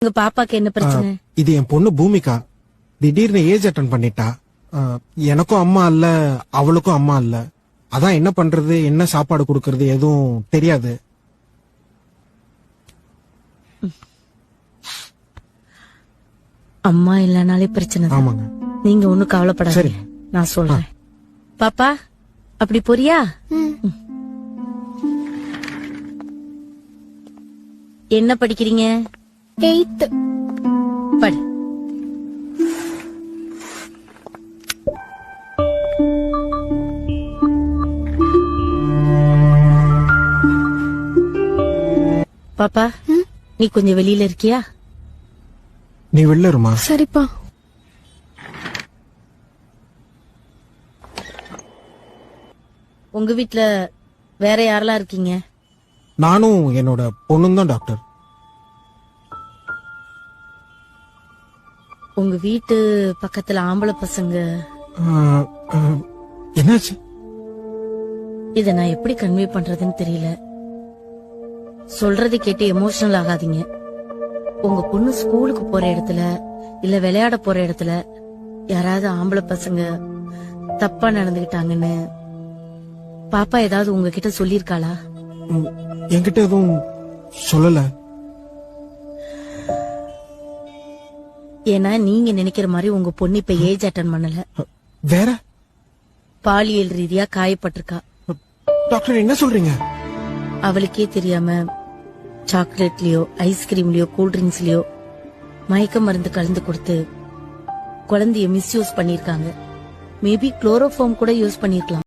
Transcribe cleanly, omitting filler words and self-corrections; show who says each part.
Speaker 1: உங்க பாப்பாக்கு என்ன பிரச்சனை?
Speaker 2: இது என் பொண்ணு பூமிகா திடீர்னு ஏஜ் அட்டன் பண்ணிட்டா. எனக்கும் அம்மா இல்ல, அவளுக்கும் அம்மா இல்ல. அதான் என்ன பண்றது, என்ன சாப்பாடு கொடுக்கறது எதுவும் தெரியாது.
Speaker 1: அம்மா இல்லனாலே பிரச்சனை தான்.
Speaker 2: ஆமாங்க.
Speaker 1: நீங்க ஒண்ணும் கவலைப்படாதீங்க, நான் சொல்றேன். பாப்பா அப்படி போறியா? என்ன படிக்கிறீங்க?
Speaker 3: 8th.
Speaker 1: படி. பாப்பா நீ கொஞ்சம் வெளியில இருக்கியா?
Speaker 2: நீ வெளில இருமா.
Speaker 3: சரிப்பா.
Speaker 1: உங்க வீட்ல வேற யாரெல்லாம் இருக்கீங்க?
Speaker 2: நானும் என்னோட பொண்ணும் தான் டாக்டர்.
Speaker 1: உங்க வீட்டு பக்கத்துல ஆம்பளை பசங்க.
Speaker 2: என்னாச்சு?
Speaker 1: இத நான் எப்படி கன்வே பண்றதுன்னு தெரியல. சொல்றதை கேட்டு எமோஷனல் ஆகாதீங்க. உங்க பொண்ணு ஸ்கூலுக்கு போற இடத்துல இல்ல விளையாட போற இடத்துல யாராவது ஆம்பளை பசங்க தப்பா நடந்துகிட்டாங்கன்னு பாப்பா ஏதாவது உங்ககிட்ட சொல்லிருக்காளா?
Speaker 2: என்கிட்ட எதுவும் சொல்லல.
Speaker 1: ஏன்னா நீங்க நினைக்கிற மாதிரி உங்க பொண்ணு இப்ப ஏஜ் அட்டன் பண்ணல.
Speaker 2: வேற
Speaker 1: பாலியல் ரீதியா காயப்பட்டிருக்கா.
Speaker 2: டாக்டர் என்ன சொல்றீங்க?
Speaker 1: அவளுக்கே தெரியாம சாக்லேட்லயோ ஐஸ்கிரீம்லயோ கூல்ட்ரிங்க்ஸ்லயோ மயக்க மருந்து கலந்து கொடுத்து குழந்தைய மிஸ்யூஸ் பண்ணிருக்காங்க. மேபி குளோரோஃபார்ம் கூட யூஸ் பண்ணிருக்கலாம்.